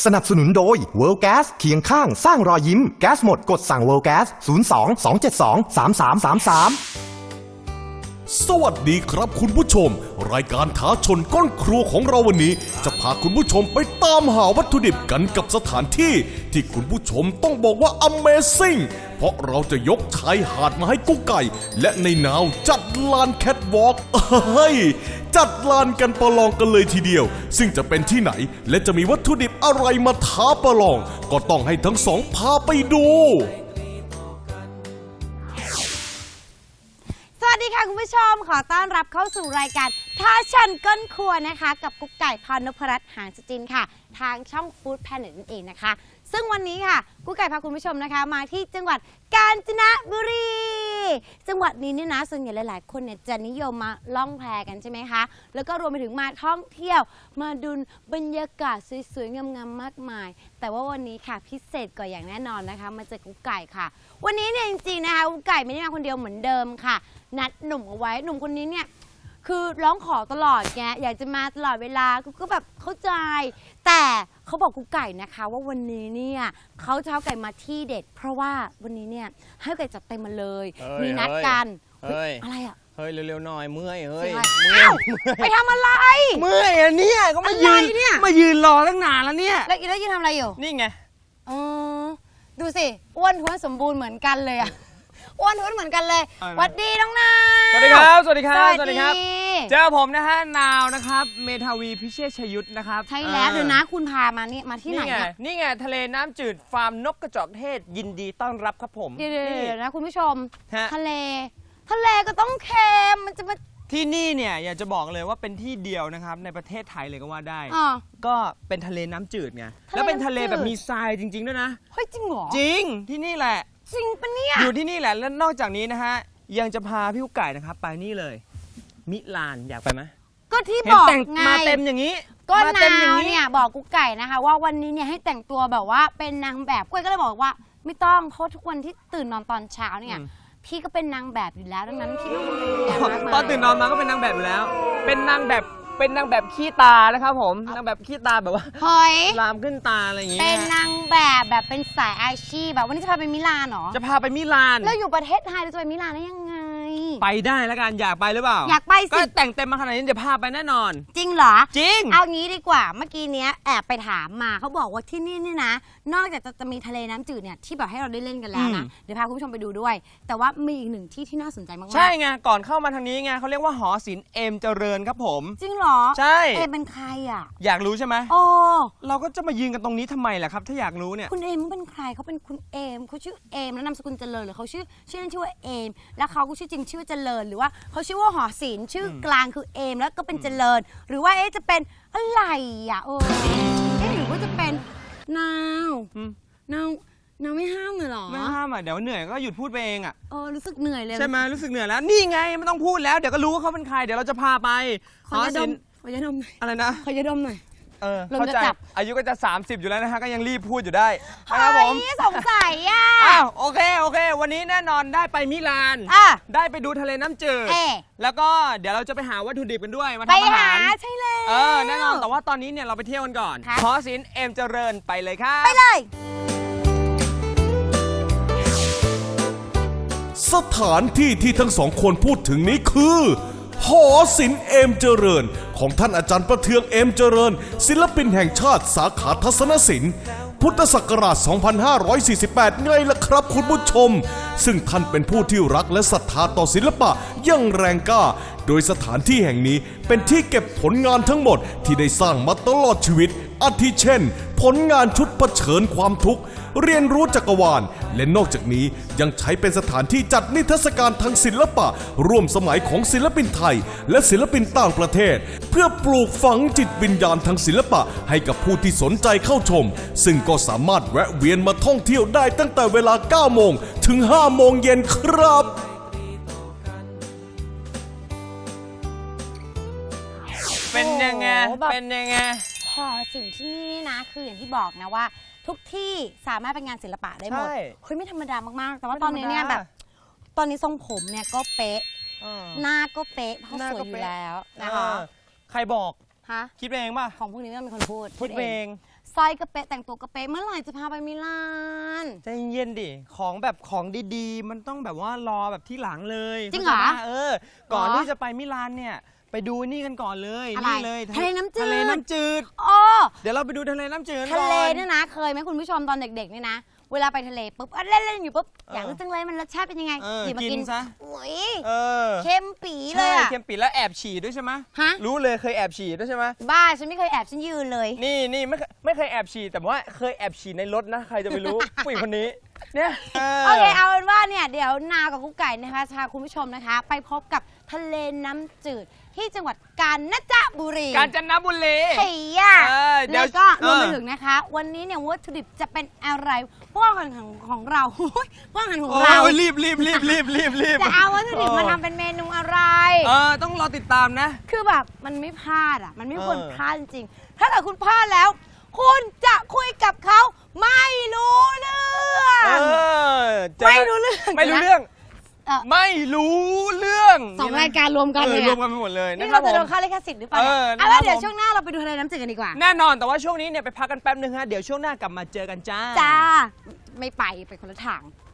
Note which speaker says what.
Speaker 1: สนับสนุนโดย World Gas เคียงข้างสร้างรอยยิ้มแก๊สหมดกดสั่ง World Gas 02-272-3333
Speaker 2: สวัสดีครับคุณผู้ชมรายการท้าชนก้นครัวของเราวันนี้จะพาคุณผู้ชมไปตามหาวัตถุดิบกันกับสถานที่ที่คุณผู้ชมต้องบอกว่า Amazing เพราะเราจะยกชายหาดมาให้กุ๊กไก่และในนาวจัดลานแคทวอล์กจัดลานกันประลองกันเลยทีเดียวซึ่งจะเป็นที่ไหนและจะมีวัตถุดิบอะไรมาท้าประลองก็ต้องให้ทั้งสองพาไปดู
Speaker 3: สวัสดีค่ะคุณผู้ชมขอต้อนรับเข้าสู่รายการท้าชันก้นครัวนะคะกับกุ๊กไก่พรนพรัตน์หางสจินค่ะทางช่องฟู้ดแพลเน็ตนั่นเองนะคะซึ่งวันนี้ค่ะกุ๊กไก่พาคุณผู้ชมนะคะมาที่จังหวัดกาญจนบุรีจังหวัดนี้เนี่ยนะส่วนใหญ่หลายๆคนเนี่ยจะนิยมมาล่องแพกันใช่ไหมคะแล้วก็รวมไปถึงมาท่องเที่ยวมาดูบรรยากาศสวยๆงามๆมากมายแต่ว่าวันนี้ค่ะพิเศษกว่าอย่างแน่นอนนะคะมาเจอกุ๊กไก่ค่ะวันนี้เนี่ยจริงๆนะคะกุ๊กไก่ไม่ได้มาคนเดียวเหมือนเดิมค่ะนัดหนุ่มเอาไว้หนุ่มคนนี้เนี่ยคือร้องขอตลอดแกอยากจะมาตลอดเวลาก็แบบเข้าใจแต่เขาบอกกุ๊กไก่นะคะว่าวันนี้เนี่ยเขาจะเอาไก่มาที่เด็ดเพราะว่าวันนี้เนี่ยให้ไก่จัดเต็มมาเลยมีนัดกันอะไรอ่ะ
Speaker 4: เฮ้ยเร็วๆหน่อยเมื่อยเฮ้ย
Speaker 3: ไปทำอะไร
Speaker 4: เมื่อยอ่ะเนี่ยก็มายืนรอตั้งนานแล้วเนี่ย
Speaker 3: แล้วยืนทำอะไรอยู่
Speaker 4: นี่ไง
Speaker 3: ดูสิอ้วนท้วนสมบูรณ์เหมือนกันเลยอ่ะอ้วนท้วนเหมือนกันเลยสวัสดีน้องนาว
Speaker 4: สวัสดีครับสวัสดีครับสวัสดีครับเจอผมนะฮะนาวนะครับเมทาวีพิเชษชยุทธนะครับ
Speaker 3: ใช่แล้วเดี๋ยวนะคุณพามานี่มาที่ไหน
Speaker 4: นี่ไงทะเลน้ำจืดฟาร์มนกกระจอกเทศยินดีต้อนรับครับผม
Speaker 3: เดี๋ยวนะคุณผู้ชมทะเลก็ต้องเค็มมันจะมา
Speaker 4: ที่นี่เนี่ยอยากจะบอกเลยว่าเป็นที่เดียวนะครับในประเทศไทยเลยก็ว่าได้ก็เป็นทะเลน้ำจืดไงแล้วเป็นทะเลแบบมีทรายจริงๆด้วยนะ
Speaker 3: เฮ้ยจริงเหรอ
Speaker 4: จริงที่นี่แหละ
Speaker 3: จริงปะเนี่ย
Speaker 4: อยู่ที่นี่แหละแล้วนอกจากนี้นะฮะยังจะพาพี่กุ๊กไก่นะครับไปนี่เลยมิลานอยากไปไหม
Speaker 3: ก็ที่บอกไง
Speaker 4: มาเต็มอย่างนี้
Speaker 3: ก็นาวเนี่ยบอกกุ๊กไก่นะคะว่าวันนี้เนี่ยให้แต่งตัวแบบว่าเป็นนางแบบกุ้ยก็เลยบอกว่าไม่ต้องเพราะทุกวันที่ตื่นนอนตอนเช้าเนี่ยพี่ก็เป็นนางแบบอยู่แล้วดังนั้นพี่ไม่ต้องเป็นนางแบบ
Speaker 4: ตอนตื่นนอนมาก็เป็นนางแบบอยู่แล้วเป็นนางแบบขี้ตานะครับผมนางแบบขี้ตาแบบว่าลามขึ้นตาอะไรอย่างเงี้ย
Speaker 3: เป็นนางแบบเป็นสายอาชีพแบบวันนี้จะพาไปมิลานเหรอ
Speaker 4: จะพาไปมิลาน
Speaker 3: แล้วอยู่ประเทศไทยเราจะไปมิลานได้ยังไง
Speaker 4: ไปได้แล้วกันอยากไปหรือเปล่า
Speaker 3: อยากไปสิ
Speaker 4: ก็แต่งเต็มมาขนาดนี้เดี๋ยวพาไปแน่นอน
Speaker 3: จริงเหรอ
Speaker 4: จริง
Speaker 3: เอางี้ดีกว่าเมื่อกี้เนี้ยแอบไปถามมาเขาบอกว่าที่นี่เนี่ยนะนอกจากจะมีทะเลน้ำจืดเนี่ยที่แบบให้เราได้เล่นกันแล้วนะเดี๋ยวพาคุณผู้ชมไปดูด้วยแต่ว่ามีอีกหนึ่งที่ที่น่าสนใจมากๆ
Speaker 4: ใช่ไงก่อนเข้ามาทางนี้ไงเขาเรียกว่าหอศิลป์เอมเจริญครับผม
Speaker 3: จริงเหรอ
Speaker 4: ใช่
Speaker 3: เอมเป็นใครอ่ะ
Speaker 4: อยากรู้ใช่ไหม
Speaker 3: โอ้
Speaker 4: เราก็จะมายืนกันตรงนี้ทำไมล่ะครับถ้าอยากรู้เนี่ย
Speaker 3: คุณเอมเป็นใครเขาเป็นคุณเอมเขาชื่อเอมแล้วนามสกุลเจริญหรือเขาชื่อเล่นชื่อว่าเอมแล้วเขาก็ชื่อจริงชื่อเจริญหรือว่าเขาชื่อว่าหอศิลป์ชื่อกลางคือเอมแล้วก็เป็นเจริญหรือว่าจะเป็นอะไรอ่ะหรือว่าจะเป็นนาวไม่ห้ามเลยหรอ
Speaker 4: ไม่ห้ามอ่ะเดี๋ยวเหนื่อยก็หยุดพูดไปเองอ่ะ
Speaker 3: รู้สึกเหนื่อยเลย
Speaker 4: ใช่ไหมรู้สึกเหนื่อยแล้วนี่ไงไม่ต้องพูดแล้วเดี๋ยวก็รู้ว่าเขาเป็นใครเดี๋ยวเราจะพาไป
Speaker 3: ขอยาดม
Speaker 4: อะไรนะ
Speaker 3: ขอยาดมหน่อย
Speaker 4: เข้าใจอายุก็จะ30อยู่แล้วนะฮะก็ยังรีบพูดอยู่ได้นะครับผม
Speaker 3: สงสัยอ่ะ
Speaker 4: โอเควันนี้แน่นอนได้ไปมิลานได้ไปดูทะเลน้ำจืดแล้วก็เดี๋ยวเราจะไปหาวัตถุดิบกันด้วยมาทำอาหาร
Speaker 3: ใช่แล้ว
Speaker 4: แน่นอนแต่ว่าตอนนี้เนี่ยเราไปเที่ยวกันก่อนหอศิลป์เอมเจริญไปเลยครับ
Speaker 3: ไปเลย
Speaker 2: สถานที่ที่ทั้งสองคนพูดถึงนี้คือหอศิลป์เอมเจริญของท่านอาจารย์ประเทืองเอมเจริญศิลปินแห่งชาติสาขาทัศนศิลป์พุทธศักราช 2548 ไงล่ะครับคุณผู้ชมซึ่งท่านเป็นผู้ที่รักและศรัทธาต่อศิลปะอย่างแรงกล้าโดยสถานที่แห่งนี้เป็นที่เก็บผลงานทั้งหมดที่ได้สร้างมาตลอดชีวิตอาทิเช่นผลงานชุดเผชิญความทุกข์เรียนรู้จักรวาลและนอกจากนี้ยังใช้เป็นสถานที่จัดนิทรรศการทางศิลปะร่วมสมัยของศิลปินไทยและศิลปินต่างประเทศเพื่อปลูกฝังจิตวิญญาณทางศิลปะให้กับผู้ที่สนใจเข้าชมซึ่งก็สามารถแวะเวียนมาท่องเที่ยวได้ตั้งแต่เวลา 9 โมงถึง 5 โมงเย็นครับ
Speaker 4: เป็นยังไง
Speaker 3: หอศิลป์ที่นี่นะคืออย่างที่บอกนะว่าทุกที่สามารถเป็นงานศิลปะได้หมดไม่ธรรมดามากๆแต่ว่าตอนนี้เนี่ยแบบตอนนี้ทรงผมเนี่ยก็เป๊ะหน้าก็เป๊ะเพราะสวยอยู่แล้วนะคะ
Speaker 4: ใครบอก
Speaker 3: ฮะ
Speaker 4: คิดเองป่ะ
Speaker 3: ของพวกนี้ไม่ต้องมีคนพูด
Speaker 4: เอง
Speaker 3: สร้อยกระเป๊ะแต่งตัวกระเป๊ะเมื่อไหร่จะพาไปมิลาน
Speaker 4: ใจเย็นดิของแบบของดีๆ มันต้องแบบว่ารอแบบที่หลังเลย
Speaker 3: จริงเหรอ
Speaker 4: ก่อนที่จะไปมิลานเนี่ยไปดูนี่กันก่อนเลย
Speaker 3: อะไร
Speaker 4: นี่เลย
Speaker 3: ทะเลน้ำจืด
Speaker 4: ทะเลน้ำจืด
Speaker 3: อ๋อ
Speaker 4: เดี๋ยวเราไปดูทะเลน้ำจืดกัน
Speaker 3: ทะ
Speaker 4: ก่อน
Speaker 3: เลเนี่ยนะเคยไหมคุณผู้ชมตอนเด็กๆเนี่ยนะเวลาไปทะเลปุ๊บเล่นๆอยู่ปุ๊บอยากรู้จังเลยมันรสชาติเป็นยังไง
Speaker 4: เออ
Speaker 3: หยิบมา
Speaker 4: กิ
Speaker 3: กิ
Speaker 4: น
Speaker 3: น
Speaker 4: ซะ
Speaker 3: โอ้ย
Speaker 4: เออ
Speaker 3: เค็มปีเล
Speaker 4: ใช่
Speaker 3: ยอะ
Speaker 4: เค็มปิดแล้วแอบฉี่ด้วยใช่ไหม
Speaker 3: ฮะ
Speaker 4: รู้เลยเคยแอบฉี่ด้วยใช่ไหม
Speaker 3: บ้าฉันไม่เคยแอบฉันยืนเลย
Speaker 4: นี่ไม่เคยแอบฉี่แต่ว่าเคยแอบฉี่ในรถนะใครจะไปรู้ ผู้หญิงคนนี้เนี่ย
Speaker 3: โอเคเอาเป็นว่าเนี่ยเดี๋ยวนาวกับกุ๊กไก่นะคะจะพาคุณผู้ชมนะคะ ไปพบกับทะเลน้ำจืดที่จังหวัดกาญจนบุรี
Speaker 4: กาญจนบุรี
Speaker 3: เฮีย
Speaker 4: เดี๋ยว
Speaker 3: แล้วก็รวมไป
Speaker 4: เออ
Speaker 3: ถึงนะคะ วันนี้เนี่ยวัตถุดิบจะเป็นอะไรพวกอาหารของเรา พวกอาหารของ
Speaker 4: โอ้
Speaker 3: เรา
Speaker 4: ยรีบ
Speaker 3: จะเอาวัตถุดิบมาทำเป็นเมนูอะไร
Speaker 4: ต้องรอติดตามนะ
Speaker 3: คือแบบมันไม่พลาดอ่ะ มันไม่ควร
Speaker 4: เออ
Speaker 3: พลาดจริงๆถ้าเกิดคุณพลาดแล้ว คุณจะคุยกับเขาไม่รู้เรื่อง ไม่รู้เรื่อง
Speaker 4: ไม่รู้เรื่อง
Speaker 3: เออ
Speaker 4: ไม่รู้เรื่อง
Speaker 3: สองรายการรวมกันเลย
Speaker 4: รว
Speaker 3: อะ
Speaker 4: มกันไปหมดเลย
Speaker 3: นี่
Speaker 4: นะครั
Speaker 3: เรา
Speaker 4: บ
Speaker 3: จะ
Speaker 4: ผ
Speaker 3: โด
Speaker 4: ม
Speaker 3: นค่าลิขสิทธิ์หรือเปล่าเนี่ย
Speaker 4: นะครับ
Speaker 3: เอาล่ะเดี๋ยว
Speaker 4: ผม
Speaker 3: ช่วงหน้าเราไปดูทะเลน้ำจืดกันดีกว่า
Speaker 4: แน่นอนแต่ว่าช่วงนี้เนี่ยไปพักกันแป๊บนึงฮะเดี๋ยวช่วงหน้ากลับมาเจอกันจ้า
Speaker 3: จ้า ไม่ไปคนละทาง